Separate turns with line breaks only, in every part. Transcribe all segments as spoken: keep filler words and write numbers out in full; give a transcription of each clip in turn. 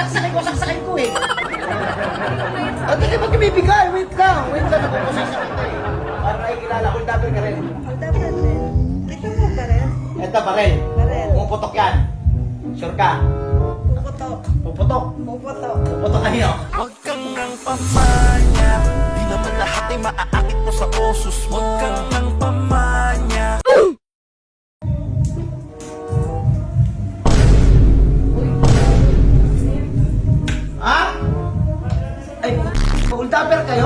pasaksakin ko, saksakin ko eh. O, di ka ba bibigay? Wait lang, wait lang, nagpapasaksak kita eh. Para nakikilala ko, double ka rin.
Dapat rin. Ito mo ba rin?
Eto, barel.
Barel.
Pumuputok yan. Sure ka?
Puputok.
Puputok.
Puputok.
Puputok kayo.
Huwag kang nang pamanya, di naman lahat ay maaakit mo sa osos mo. Huwag kang nang pamanya.
Ha? Ay, hold upper kayo?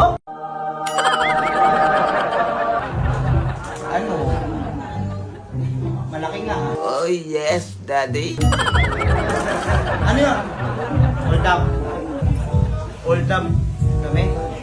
Ano? Malaki nga ha?
Oh yes, daddy.
Ano yun? Hold up. Hold up. Kami?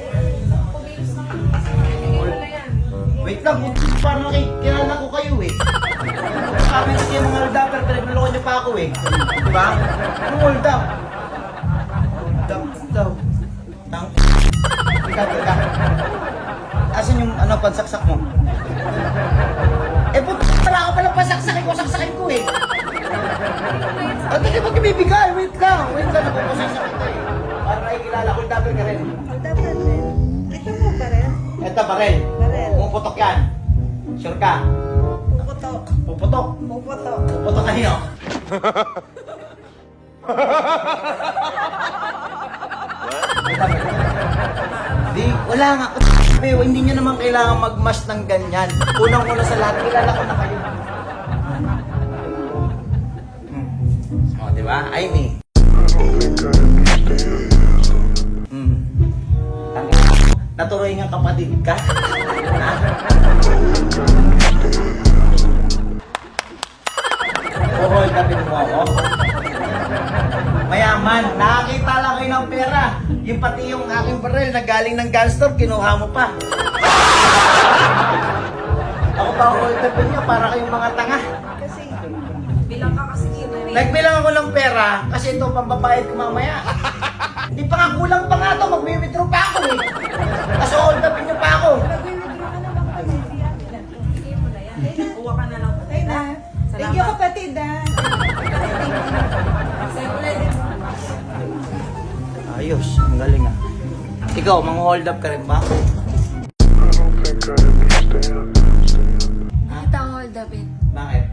Hold... Wait lang, parang nakikilala ko kayo eh. Sabi kasi yung mga hold upper, pinagluloko niyo pa ako eh. Diba? Ano hold up? Hold up daw. Tang... Ika, ika. Asan yung ano, pansaksak mo? Eh, puto pala ako palang pasaksakin ko, saksakin ko eh. O, di ka ba bibigay? Wait lang, wait lang, nagpapasaksak kita eh. Para nakikilala ko, double ka rin.
Dapat rin. Ito mo ba rin?
Eto, barel.
Barel.
Pumuputok yan. Sure ka?
Puputok.
Puputok.
Puputok.
Puputok kayo. Di, wala nga. Pero hindi nyo naman kailangan mag-mash ng ganyan. Unang-una sa lahat, kilala ko na kayo. Hmm. O, di ba? Ay, me. Hmm. Tangin. Naturoy nga kapatid ka. Ha? Buhol, kapit mo ako. Mayaman, nakakita lang kayo ng pera. Yung pati yung aking baril na galing ng gun store, kinuha mo pa. Ako pa ako itapin nyo para kayong mga tanga.
Kasi,
Bilang ka kasi dito eh.
Nagbilang ako ng pera kasi ito pambabayad ko mamaya. Hindi pa nga kulang pa nga to, mag-withdraw pa ako eh. Kaso hold upin nyo pa ako.
nag-withdraw ka na lang kasi siya.
Sige mo na yan. Kuha ka na lang.
Ay na. Thank you kapatid ah.
Sa'yo ulit.
Ayos, ang galing ah. Ikaw, mang-hold up ka rin ba? Ha?
Kita ang hold up eh.
Bakit?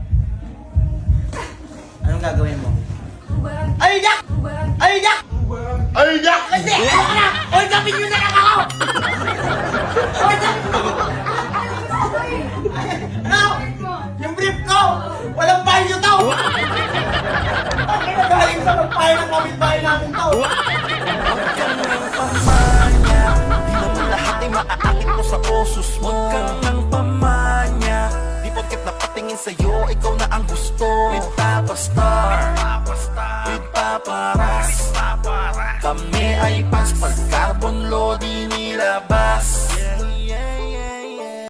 Anong gagawin mo?
Ubaran.
Ay, Jack!
Ubaran.
Ay, Jack! Ay, Jack! Kasi, ano ka na? Hold upin nyo na lang ako! Hold upin mo! Ano? Yung brief ko! Walang value to! Ang kinagaling sa magpahay ng kapitbahay namin to!
Huwag kang nang pamanya, di naman lahat ay maaakit mo sa osos mo. Huwag kang nang pamanya, di porket napatingin sa'yo, ikaw na ang gusto. With Papa Star, with Papa Ras, kami ay pans pag carbon load inilabas.